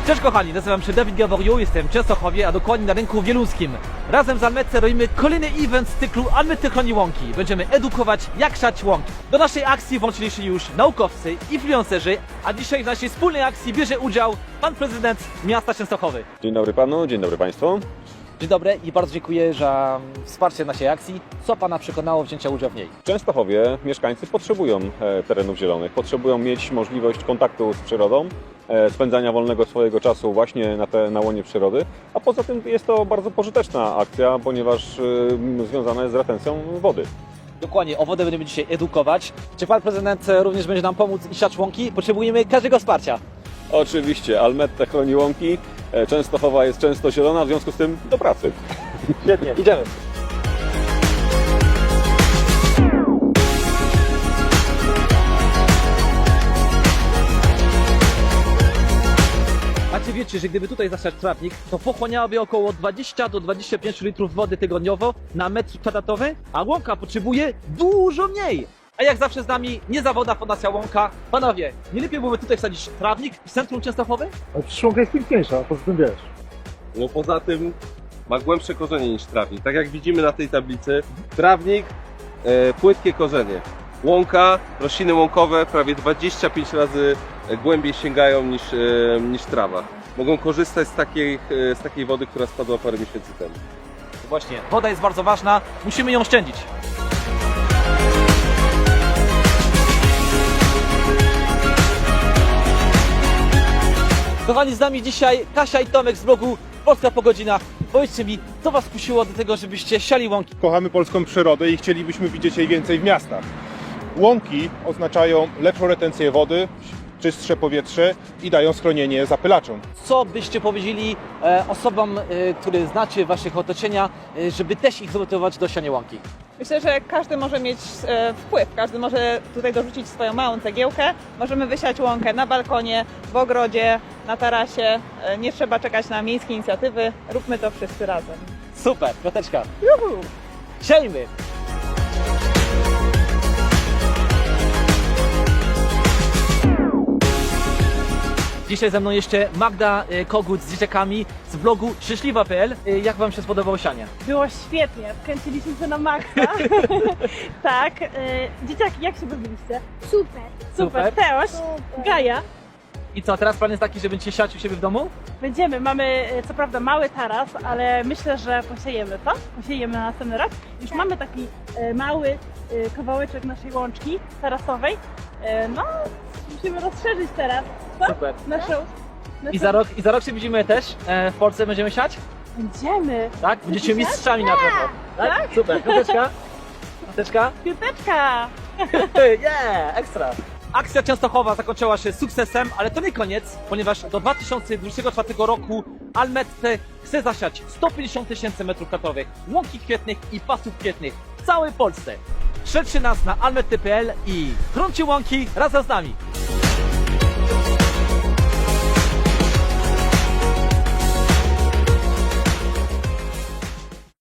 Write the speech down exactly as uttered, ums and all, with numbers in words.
Cześć kochani, nazywam się Dawid Gaworiu, jestem w Częstochowie, a dokładnie na rynku wieluńskim. Razem z Almetce robimy kolejny event z cyklu Almety chroni łąki. Będziemy edukować, jak siać łąki. Do naszej akcji włączyli się już naukowcy, influencerzy, a dzisiaj w naszej wspólnej akcji bierze udział pan prezydent miasta Częstochowy. Dzień dobry panu, dzień dobry państwu. Dzień dobry i bardzo dziękuję za wsparcie naszej akcji. Co pana przekonało wzięcia udziału w niej? W Częstochowie mieszkańcy potrzebują e, terenów zielonych, potrzebują mieć możliwość kontaktu z przyrodą, e, spędzania wolnego swojego czasu właśnie na, te, na łonie przyrody, a poza tym jest to bardzo pożyteczna akcja, ponieważ e, związana jest z retencją wody. Dokładnie, o wodę będziemy dzisiaj edukować. Czy pan prezydent również będzie nam pomóc i siać łąki? Potrzebujemy każdego wsparcia. Oczywiście, Almetta chroni łąki, e, Częstochowa jest często zielona, w związku z tym do pracy. Świetnie, idziemy. Macie wiecie, że gdyby tutaj zasiać trawnik, to pochłaniałoby około dwadzieścia do dwudziestu pięciu litrów wody tygodniowo na metr kwadratowy, a łąka potrzebuje dużo mniej. A jak zawsze z nami niezawodna Fundacja Łąka. Panowie, nie lepiej byłoby tutaj wsadzić trawnik w centrum Częstochowy? Ale przecież łąka jest piękniejsza, poza tym wiesz. No poza tym ma głębsze korzenie niż trawnik. Tak jak widzimy na tej tablicy, trawnik, e, płytkie korzenie. Łąka, rośliny łąkowe prawie dwadzieścia pięć razy głębiej sięgają niż, e, niż trawa. Mogą korzystać z takiej, e, z takiej wody, która spadła parę miesięcy temu. Właśnie, woda jest bardzo ważna, musimy ją oszczędzić. Kochani, z nami dzisiaj Kasia i Tomek z blogu Polska po godzinach. Powiedzcie mi, co was kusiło do tego, żebyście siali łąki? Kochamy polską przyrodę i chcielibyśmy widzieć jej więcej w miastach. Łąki oznaczają lepszą retencję wody, czystsze powietrze i dają schronienie zapylaczom. Co byście powiedzieli e, osobom, e, które znacie w waszych otoczenia, e, żeby też ich zmotywować do siania łąki? Myślę, że każdy może mieć e, wpływ, każdy może tutaj dorzucić swoją małą cegiełkę. Możemy wysiać łąkę na balkonie, w ogrodzie, na tarasie. E, nie trzeba czekać na miejskie inicjatywy. Róbmy to wszyscy razem. Super, piąteczka. Juhu! Siejmy! Dzisiaj ze mną jeszcze Magda e, Kogut z dzieciakami z blogu szczęśliwa kropka p l. E, Jak wam się spodobało sianie? Było świetnie, wkręciliśmy się na maksa. tak, y, dzieciaki, jak się bawiliście? Super. Super, Teoś, Gaja. I co, teraz plan jest taki, że będziecie siać u siebie w domu? Będziemy, mamy y, co prawda mały taras, ale myślę, że posiejemy to, posiejemy na następny rok. Już mamy taki y, mały y, kawałeczek naszej łączki tarasowej. Y, no, musimy rozszerzyć teraz, co? Super. Naszą, naszą... I za rok, i za rok się widzimy też e, w Polsce, będziemy siać? Będziemy. Tak? Będziecie mistrzami na pewno. Tak? Super, piąteczka. Piąteczka. Piąteczka! Yeah, ekstra. Akcja Częstochowa zakończyła się sukcesem, ale to nie koniec, ponieważ do dwa tysiące dwudziestego czwartego roku Almette chce zasiać sto pięćdziesiąt tysięcy metrów kwadratowych łąki kwietnych i pasów kwietnych w całej Polsce. Śledźcie nas na almety kropka p l i chroncie łąki razem z nami.